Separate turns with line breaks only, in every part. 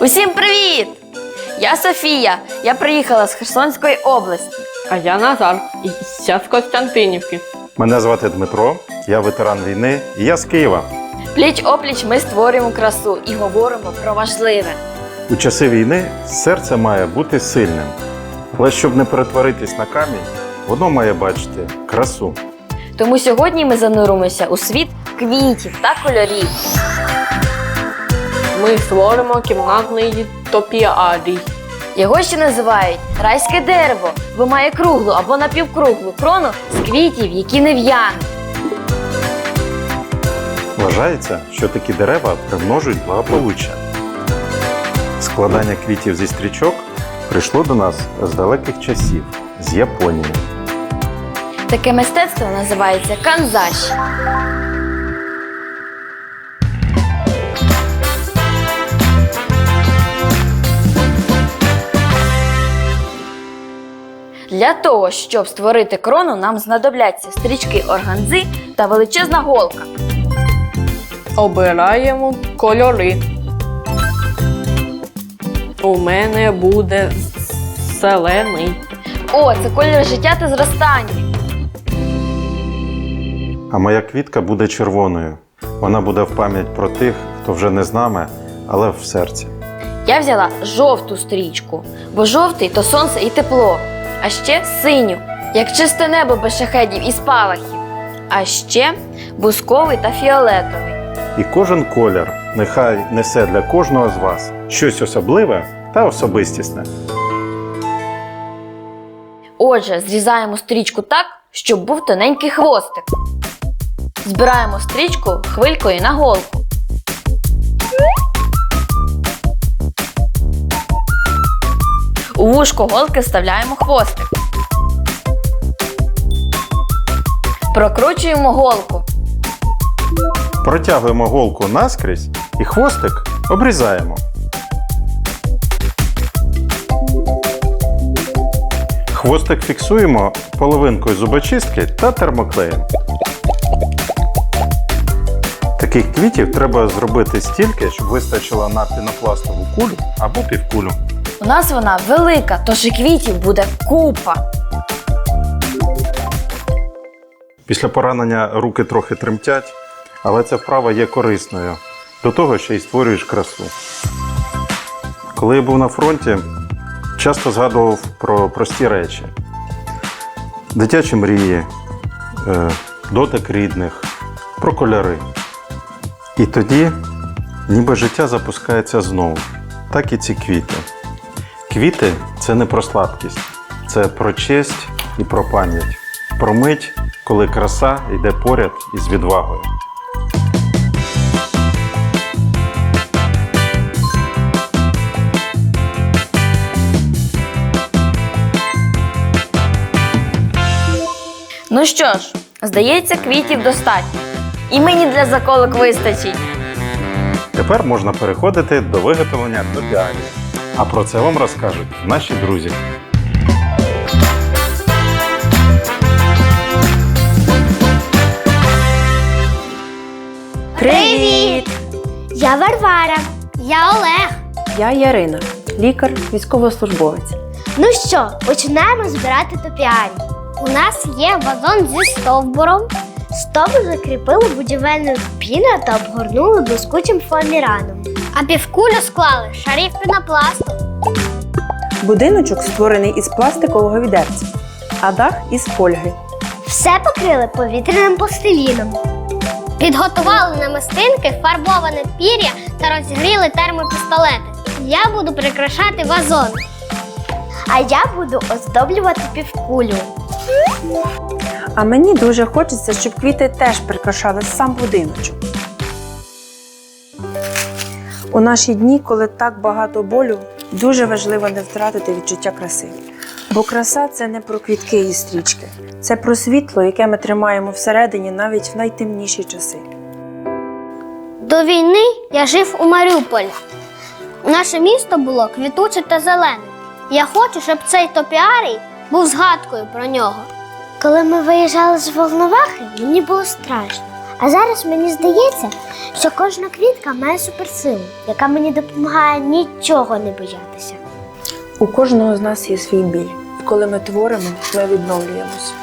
Усім привіт! Я Софія. Я приїхала з Херсонської області.
А я Назар, і я з Костянтинівки.
Мене звати Дмитро, я ветеран війни і я з Києва.
Пліч-опліч ми створюємо красу і говоримо про важливе.
У часи війни серце має бути сильним. Але щоб не перетворитись на камінь, воно має бачити красу.
Тому сьогодні ми зануримося у світ квітів та кольорів.
Ми створимо кімнатний топіарій.
Його ще називають райське дерево, бо має круглу або напівкруглу крону з квітів, які не в'януть.
Вважається, що такі дерева примножують благополуччя. Складання квітів зі стрічок прийшло до нас з далеких часів, з Японії.
Таке мистецтво називається канзаші. Для того, щоб створити крону, нам знадобляться стрічки органзи та величезна голка.
Обираємо кольори. У мене буде зелений.
О, це колір життя та зростання.
А моя квітка буде червоною. Вона буде в пам'ять про тих, хто вже не з нами, але в серці.
Я взяла жовту стрічку, бо жовтий – то сонце і тепло. А ще синю, як чисте небо без шахедів і спалахів. А ще бусковий та фіолетовий.
І кожен колір нехай несе для кожного з вас щось особливе та особистісне.
Отже, зрізаємо стрічку так, щоб був тоненький хвостик. Збираємо стрічку хвилькою на голку. У вушко голки вставляємо хвостик. Прокручуємо голку.
Протягуємо голку наскрізь і хвостик обрізаємо. Хвостик фіксуємо половинкою зубочистки та термоклеєм. Таких квітів треба зробити стільки, щоб вистачило на пінопластову кулю або півкулю.
У нас вона велика, тож і квітів буде купа.
Після поранення руки трохи тремтять, але ця вправа є корисною. До того ще й створюєш красу. Коли я був на фронті, часто згадував про прості речі. Дитячі мрії, дотик рідних, про кольори. І тоді ніби життя запускається знову. Так і ці квіти. Квіти – це не про слабкість, це про честь і про пам'ять. Про мить, коли краса йде поряд із відвагою.
Ну що ж, здається, квітів достатньо. І мені для заколок вистачить.
Тепер можна переходити до виготовлення топіарії. А про це вам розкажуть наші друзі.
Привіт!
Я Варвара. Я Олег.
Я Ярина, лікар, військовослужбовець.
Ну що, починаємо збирати топіарій. У нас є вазон зі стовбуром. Стовбур закріпили будівельною піною та обгорнули блискучим фоаміраном. А півкулю склали шарів пінопласту.
Будиночок створений із пластикового відерця, а дах із фольги.
Все покрили повітряним пластиліном. Підготували намистинки, фарбоване пір'я та розігріли термопістолети. Я буду прикрашати вазон. А я буду оздоблювати півкулю.
А мені дуже хочеться, щоб квіти теж прикрашали сам будиночок. У наші дні, коли так багато болю, дуже важливо не втратити відчуття краси. Бо краса – це не про квітки і стрічки. Це про світло, яке ми тримаємо всередині навіть в найтемніші часи.
До війни я жив у Маріуполі. Наше місто було квітуче та зелене. Я хочу, щоб цей топіарій був згадкою про нього. Коли ми виїжджали з Волновахи, мені було страшно. А зараз мені здається, що кожна квітка має суперсилу, яка мені допомагає нічого не боятися.
У кожного з нас є свій біль. І коли ми творимо, ми відновлюємось.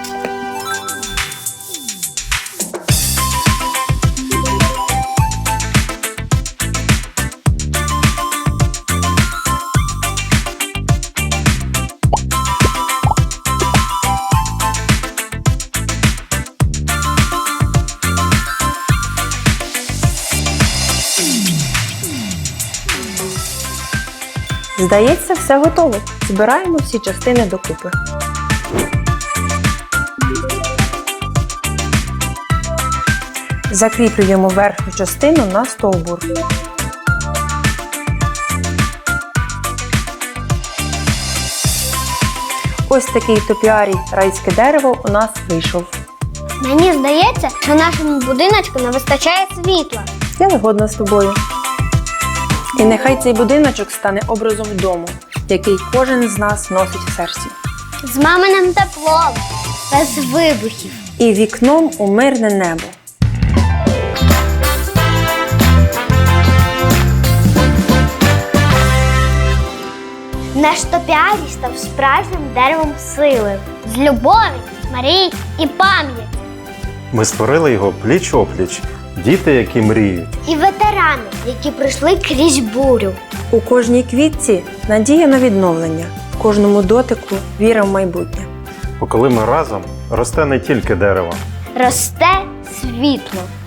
Здається, все готово. Збираємо всі частини докупи. Закріплюємо верхню частину на стовбур. Ось такий топіарій райське дерево у нас вийшов.
Мені здається, що нашому будиночку не вистачає світла.
Я згодна з тобою. І нехай цей будиночок стане образом дому, який кожен з нас носить в серці.
З маминим теплом, без вибухів.
І вікном у мирне небо.
Наш топіарій став справжнім деревом сили. З любові, мрій і пам'яті.
Ми створили його пліч-опліч. Діти, які мріють.
І ветерани, які пройшли крізь бурю.
У кожній квітці надія на відновлення, в кожному дотику віра в майбутнє.
Бо коли ми разом, росте не тільки дерево,
Росте світло.